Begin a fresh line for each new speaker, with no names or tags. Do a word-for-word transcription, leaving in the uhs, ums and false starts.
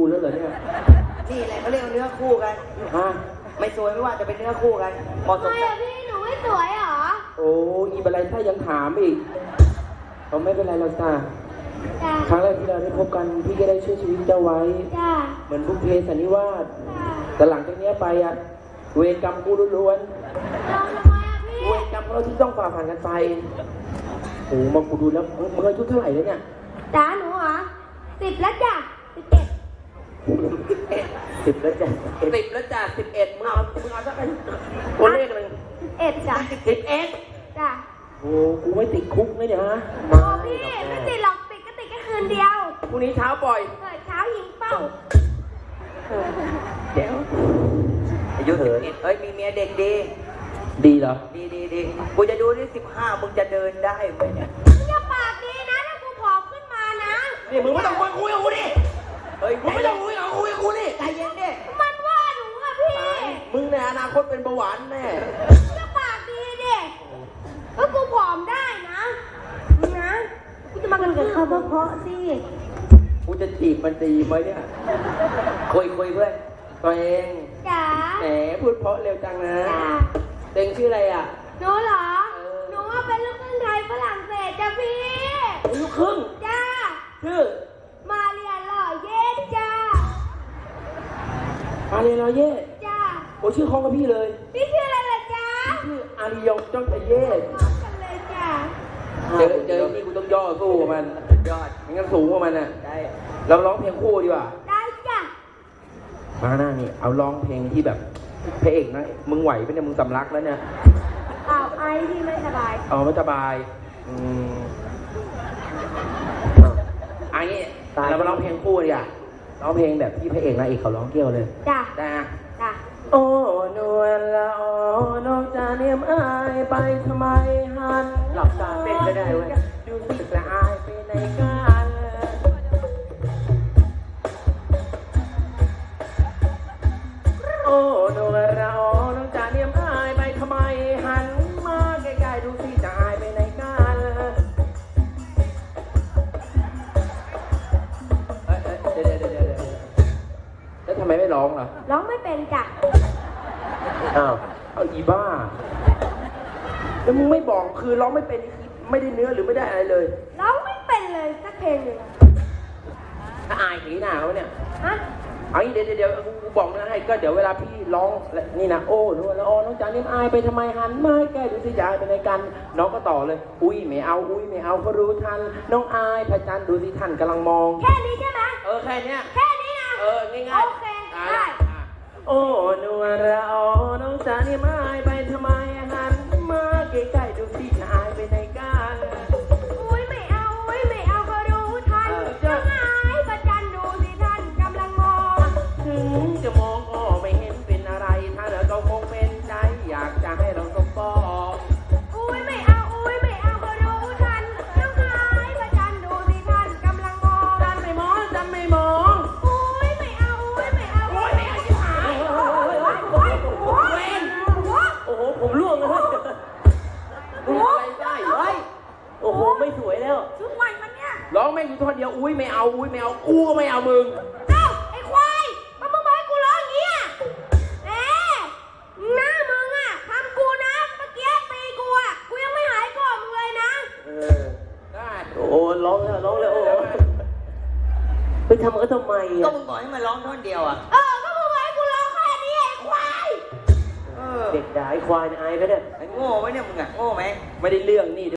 กูแล้วเหรอเนี่ย
นี่แหละเขาเรียกเนื้อคู่กัน
ฮะ
ไม่สวยไม่ว่าจะเป็นเนื้อคู่กันเหมาะส
ทำ
ม
ไม
กั
อะ
น
พี่หนูไม่สวยเหรอ
โอ้อีบันไดถ้ายังถามอีกเราไม่เป็นไรเราจ้า
จ้า
ครั้งแรกที่เราได้พบกันพี่ก็ได้ช่วยชีวิตเจ้าไว้
จ้า
เหมือนบุพเพสันนิวาส
จ้า
แต่หลังจากเนี้ยไปอะเวรกรรมกูล้วน
ลองทำไมอะพี่
ๆเวรกรรมของเราที่ต้องฝ่าผ่านกันไปโอ้มากูดูแล้วมึงมึงอายุเท่าไหร่แล้วเนี่ย
จ้าหนูเหรอสิบแล้วจ้ะสิบเจ็ด
สิบแล้วจ้ะ
สิบแล้วจ้ะสิบเอ็ด
มึงเอามึงเอาสักตัวเลขหนึ่ง
สิบเอ็ดจ้ะ
สิบเอ็ด
จ้ะ
โอ้กูไม่ติดคุกนะเนี่ยฮะ
โอ้พี่ไม่ติดหรอกติดก็ติดแค่คืนเดียว
พรุ่งนี้เช้าปล่อย
เปิดเช้ายิงเป้า
เดี๋ยว
อายุสิบเอ็ดเอ้ยมีเมียเด็กดี
ดีเหรอ
ดีดีดีกูจะดูที่สิบห้ามึงจะเดินได้ไหมเนี่ย
มึงอย่าปากดีนะถ้ากูผอมขึ้นมานะ
นี่มึงไม่ต้องคุยคุยกับกูดิ
เฮ้ย
มึงไม่ต้องคุยกับคุยกับกูดิ
ใจเย็นดิ
มันว่าหนูอะพี่
มึงในอนาคตเป็นเบาหวานแน่
มึงอย่าปากดีดิก็กูผอมได้นะมึงนะกูจะมากันกับเขาเพราะๆสิ
กูจะจีบมันดีไหมเนี่ยคุยคุยเพื่อนตัวเอง
จ๋า
แหมพูดเพราะเร็วจังนะ
จ้า
เต็งชื่ออะไรอ่ะ
หนูเหรอ หนูว่าเป็นลูกครึ่งไทยฝรั่งเศสจ้ะพี่
ลูกครึ่ง
จ้า
ชื่อ
มาเรียนหล่อเย็ดจ้า
อาเรนอเย่
จ้า
โอ้ชื่อคล้องกับพี่เลย
พี่ชื่ออะไรล่ะจ้า
ชื่ออาริยงจ้องตะเย่
พร้อมกันเลยจ้า
เจอเจอนี่กูต้องย่อสู้กับมัน
ยอด
ไม่งั้นสูงกว่ามันอ่ะ
ได้
เราร้องเพลงคู่ดีกว่า
ได้จ้า
มาหน้านี่เอาร้องเพลงที่แบบพระเอกนะมึงไหวปะเนี่ยมึงสำลักแล้วเนี่ย
อ้าวไอ้ที่ไม่สบาย
เอาไม่สบายอืมอันนี้เรามาร้องเพลงคู่ดีกว่าร้องเพลงแบบที่พระเอกนางเอกเขาร้องเกี่ยวเลย
จ้า
ได้นะ
จ้า
โอ้นวลละอ๋อน้องจะเนียมอายไปทำไมหัน
หลับตาเต้นก็ได้เว้ย
ดูสิละอายไปในกันโอ้นวลละอ๋อน้องจะเนียมอายไปทำไมหันมาใกล้ๆดูสิจะอายไปในกันเอ้ยเอ้ยเดี๋ยวเดี๋ยวเดี๋ยวเดี๋ยวแล้วทำไมไม่ร้องล่ะ
ร้องไม่เป็นจ้ะ
อ้าว เอาอีบ้า แล้วมึงไม่บอกคือร้องไม่เป็นไม่ได้เนื้อหรือไม่ได้อะไรเลย
ร้องไม่เป็นเลยสักเพลงหนึ่ง
ถ้าอายผีหนาเขาเนี่ย
ฮะ
เอางี้เดี๋ยวเดี๋ยวเดี๋ยวกูบอกนะให้ก็เดี๋ยวเวลาพี่ร้องและนี่นะโอ้นู่นแล้วอ๋อน้องจ๋าเนี่ยอายไปทำไมหันมาแกดูสิจะอายไปในกัน น้องก็ต่อเลย อุ้ยไม่เอา อุ้ยไม่เอาเขารู้ทัน น้องอายพระจันทร์ดูสิท่านกำลังมอง
แค่นี้ใช่ไหม
เออแค่เนี้ย
แค่นี้นะ
เออง่ายๆ
โอเค
อ่ะ
ได้
อ่ะโอ้นวลละอ๋อน้องจ๋าเนี่ยอายไปทำไมหันมาใกล้ๆดูสิจะอายไปในกัน
อุ้ยไม่เอาอุ้ยไม่เอาก็รู้ทันน้องอายประจันดูสิท่านกำลังมอง
ถึงจะมองก็ไม่เห็นเป็นอะไร ถ้าเราก็คงเป็นใจอยากจะให้เราสมปอง
อุ้ยไม่เอาอุ้ยไม่เอาก็รู้ทันน้องอายประจันดูสิท่านกำลังมอง
จันไม่มองจันไม่มอง
อุ้ยไม่เอาอุ้ยไม่เอาอุ้ยไม่เอาชิบหายโอ้ยโอ้ยโอ้ยโอ้ย
โอ้โหผมร่วงเลยดูอะไรได้เฮ้ยโอ้โหไม่สวยแล้ว
ชุดใหม่มันเนี่ย
ร้องแม่งอยู่ท่อนเดียวอุ้ยไม่เอาอุ้ยไม่เอากูก็ไม่เอามึง
เอ้าไอ้ควายมันมึงบอกให้กูร้องอย่างนี้อ่ะเอ๊ะหน้ามึงอ่ะทำกูนะเมื่อกี้ตีกูอ่ะกูยังไม่หายโกรธมึงเลยนะ
เออได้โอ้ร้องแล้วร้องแล้วโอ้ไปทำก็ทำไม
ก็
อ่ะ
มึงบอกให้มาร้องท่อนเดียวอ่ะ
เออก็มึงบอกให้กูร้องแค่นี้ไอ้ควาย
เออ
เด็กด่าไอ้ควายอายไปเนี่ย
ไอ้โง่ไหมเนี่ยมึงอ่ะโง่ไหม
ไม่ได้เรื่องนี่